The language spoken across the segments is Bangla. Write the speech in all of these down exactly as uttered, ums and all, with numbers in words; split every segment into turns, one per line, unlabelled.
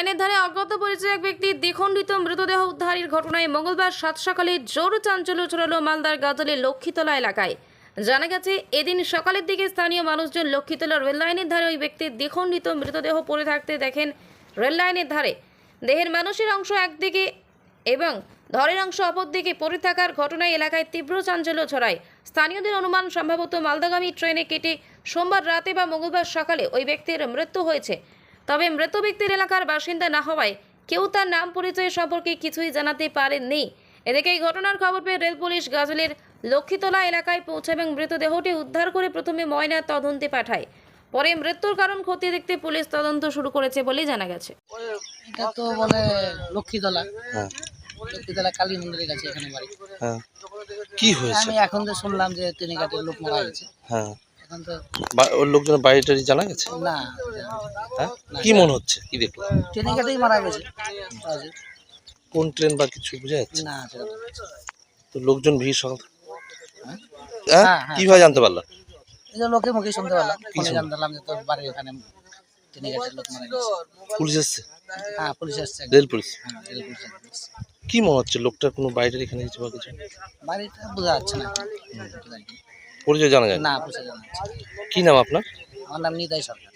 রেললাইনের ধারে অজ্ঞাত পরিচয় এক ব্যক্তির দ্বিখণ্ডিত মৃতদেহ উদ্ধারের ঘটনায় মঙ্গলবার সাত সকালে জোর চাঞ্চল্য ছড়ালো মালদার গাজলের লক্ষ্মীতলা এলাকায়। জানা গেছে, এদিন সকালের দিকে স্থানীয় মানুষজন লক্ষ্মীতলা রেললাইনের ধারে ওই ব্যক্তির দ্বিখণ্ডিত মৃতদেহ পড়ে থাকতে দেখেন। রেললাইনের ধারে দেহের মানুষের অংশ একদিকে এবং ধরের অংশ অপরদিকে পড়ে থাকার ঘটনায় এলাকায় তীব্র চাঞ্চল্য ছড়ায়। স্থানীয়দের অনুমান, সম্ভবত মালদাগামী ট্রেনে কেটে সোমবার রাতে বা মঙ্গলবার সকালে ওই ব্যক্তির মৃত্যু হয়েছে। তবে মৃত ব্যক্তির এলাকার বাসিন্দা না হওয়ায় কেউ তার নাম পরিচয় সম্পর্কে কিছুই জানাতে পারেননি। এদিকে এই ঘটনার খবর পেয়ে রেল পুলিশ গাজলের লক্ষ্মীতলা এলাকায় পৌঁছায় এবং মৃতদেহটি উদ্ধার করে প্রথমে ময়না তদন্তে পাঠায়। পরে মৃত্যুর কারণ খতিয়ে দেখতে পুলিশ তদন্ত শুরু করেছে বলে জানা গেছে।
এটা তো বলে লক্ষ্মীতলা,
হ্যাঁ
লক্ষ্মীতলা কালী মন্দিরের কাছে এখানে বাড়ি।
হ্যাঁ কি হয়েছে?
আমি এখন তো শুনলাম যে ট্রেনে কাটে লোক মারা গেছে।
হ্যাঁ
এখন তো
বা- ওর লোকজনের বাড়ি টাড়ি জানা গেছে?
না,
হ্যাঁ কি মনে হচ্ছে, কি দেখলো?
ট্রেনে কাটেই মারা গেছে। আজ
কোন ট্রেন বা কিছু বোঝা যাচ্ছে?
না, সেটা তো-
তো লোকজন ভিড় সকাল থেকে।
হ্যাঁ?
হ্যাঁ
হ্যাঁ, হ্যাঁ।
কিভাবে জানতে পারলা?
এই যে লোকে মুখে শুনতে পারলাম, ফোনে
শুনলে?
জানতাম যে তোর বাড়ির এখানে ট্রেনে কাটে লোক মারা গেছে।
পুলিশ এসছে?
হ্যাঁ, পুলিশ আসছে।
Rail police?
হ্যাঁ, রেল পুলিশ আসছে।
কি মনে হচ্ছে, লোকটার কোনো বাড়ি টাড়ি এখানে কিছু বা কিছু
বাড়িটা বোঝা যাচ্ছে না।
পরিচয় জানা যায় না?
না, পুলিশ জানা যাচ্ছে না।
কি নাম আপনার?
আমার নাম নিতাই সরকার।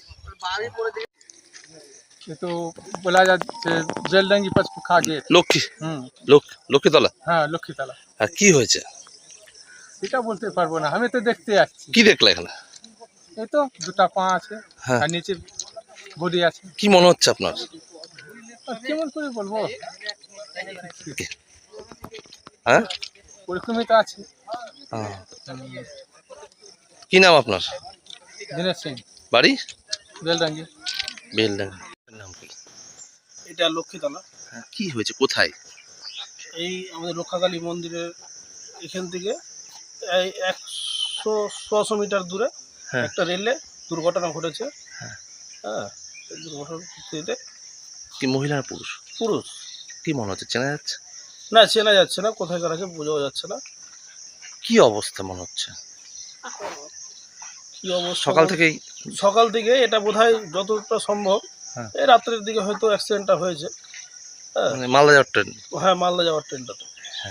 ये तो बोला যাচ্ছে জেলডাঙ্গি পাঁচপুখা গেট।
লক্ষ্মী
হুম
লোক লক্ষ্মীতলা?
হ্যাঁ, লক্ষ্মীতলা।
আর কি হয়েছে?
এটা বলতে পারবো না, আমি তো দেখতে যাচ্ছি।
কি দেখলে এখানে?
এই তো দুটা পা আছে
হ্যাঁ।
আর নিচে বডি আছে।
কি মনে হচ্ছে আপনার?
আর কেমন করে বলবো,
হ্যাঁ
ওরকমই তো আছে।
হ্যাঁ। কি নাম আপনার?
দিনেশ সিং,
বাড়ি?
জেলডাঙ্গি।
বেলডাঙ্গা। নাম কি?
এটা লক্ষ্মীতলা।
হ্যাঁ, কি হয়েছে, কোথায়?
এই আমাদের রক্ষাকালী মন্দিরের এখান থেকে এই একশো ছশো মিটার দূরে
হ্যাঁ।
একটা রেলে দুর্ঘটনা ঘটেছে।
হ্যাঁ।
হ্যাঁ, এই দুর্ঘটনার ভিত্তিতে
কি মহিলা না পুরুষ?
পুরুষ।
কি মনে হচ্ছে, চেনা যাচ্ছে?
না, চেনা যাচ্ছে না, কোথায় কার আছে বোঝাও যাচ্ছে না।
কি অবস্থা মনে হচ্ছে?
কি অবস্থা
সকাল থেকেই?
সকাল থেকে এটা বোধহয় যতটা সম্ভব
হ্যাঁ।
এই রাত্রের দিকে হয়তো অ্যাক্সিডেন্টটা হয়েছে। হ্যাঁ,
মানে মালদা যাওয়ার ট্রেন?
হ্যাঁ, মালদা যাওয়ার ট্রেনটাতে।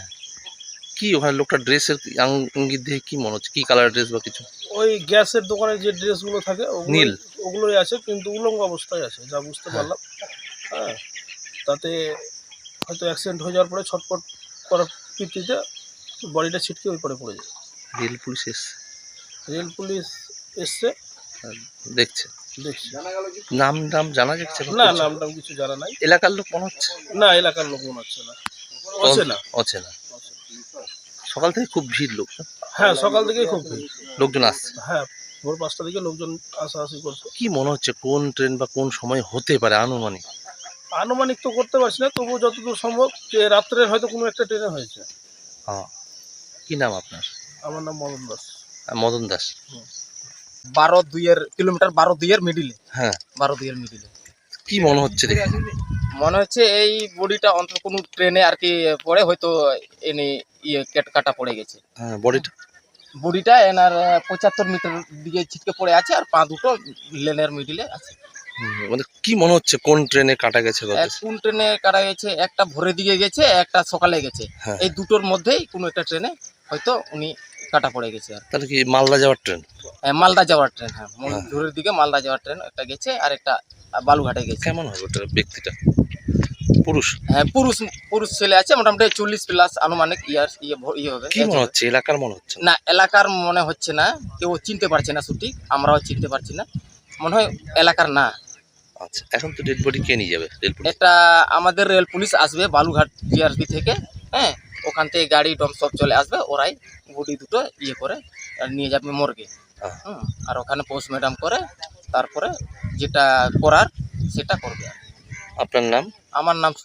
কি ওখানে লোকটার ড্রেসের ইঙ্গিত দেখে কি মনে হচ্ছে, কি কালার ড্রেস বা কিছু?
ওই গ্যাসের দোকানে যে ড্রেসগুলো থাকে ওগুলো
নীল?
ওগুলোই আছে, কিন্তু উলঙ্গ অবস্থায় আছে যা বুঝতে পারলাম। হ্যাঁ, তাতে হয়তো অ্যাক্সিডেন্ট হয়ে যাওয়ার পরে ছটপট করার ভিত্তিতে বডিটা ছিটকে ওই পরে পড়ে যায়।
রেল পুলিশ এসছে?
রেল পুলিশ এসছে,
আর দেখছে?
দেখছি।
নাম নাম জানা যাচ্ছে?
না, নাম টাম কিছু জানা নাই।
এলাকার লোক মনে হচ্ছে?
না, এলাকার লোক মনে হচ্ছে না, অচেনা।
অচেনা। সকাল থেকে খুব ভিড় লোক?
হ্যাঁ, সকাল থেকেই খুব ভিড়।
লোকজন আসছে?
হ্যাঁ, ভোর পাঁচটা দিকে লোকজন আসাআসি করছে।
কি মনে হচ্ছে, কোন ট্রেন বা কোন সময় হতে পারে আনুমানিক?
আনুমানিক তো করতে পারছি না, তবুও যতদূর সম্ভব যে রাত্রে হয়তো কোনো একটা ট্রেনে হয়েছে।
হ্যাঁ। কি নাম আপনার?
আমার নাম মদন দাস।
আর মদন দাস।
বারো দুইয়ের কিলোমিটার, বারো দুইয়ের মিডিলে,
হ্যাঁ।
বারো দুইয়ের মিডিলে
কি মনে হচ্ছে দেখে?
মনে হচ্ছে এই বডিটা অন্তত কোনো ট্রেনে আর কি পড়ে হয়তো এনে ইয়ে কেট- কাটা পড়ে গেছে।
হ্যাঁ, বডিটা?
বডিটা এনার পঁচাত্তর মিটার দিকে ছিটকে পড়ে আছে আর পা দুটো লেনের মিডিলে আছে।
মানে কি মনে হচ্ছে, কোন ট্রেনে কাটা গেছে বা
এক কোন ট্রেনে কাটা গেছে, একটা ভোরের দিকে গেছে, একটা সকালে গেছে।
হ্যাঁ।
এই দুটোর মধ্যেই কোনো একটা ট্রেনে হয়তো উনি কাটা পড়ে গেছে। আর
তাহলে কি মালদা যাওয়ার ট্রেন?
হ্যাঁ, মালদা যাওয়ার ট্রেন। হ্যাঁ,
হ্যাঁ।
ভোরের দিকে মালদা যাওয়ার ট্রেন একটা গেছে আর একটা বালুঘাটে গেছে।
কেমন হবে ওটা ব্যক্তিটা? পুরুষ?
হ্যাঁ, পুরুষ পুরুষ ছেলে আছে, মোটামুটি চল্লিশ প্লাস আনুমানিক ইয়ার ইয়ে ভ- ইয়ে হবে।
কি মনে হচ্ছে, এলাকার মনে হচ্ছে?
না, এলাকার মনে হচ্ছে না, কেউ চিনতে পারছে না সঠিক, আমরাও চিনতে পারছি না, মনে হয় এলাকার না।
আচ্ছা, এখন তো ডেড বডি কে নিয়ে যাবে? Rail police?
এটা আমাদের রেল পুলিশ আসবে বালুঘাট জিআরপি থেকে। হ্যাঁ, ওখান থেকে গাড়ি ডম সব চলে আসবে, ওরাই বডি দুটো ইয়ে করে আর নিয়ে যাবে মর্গে।
হ্যাঁ।
হুম, আর ওখানে পোস্টমর্টম করে তারপরে যেটা করার সেটা করবে।
আপনার নাম?
আমার নাম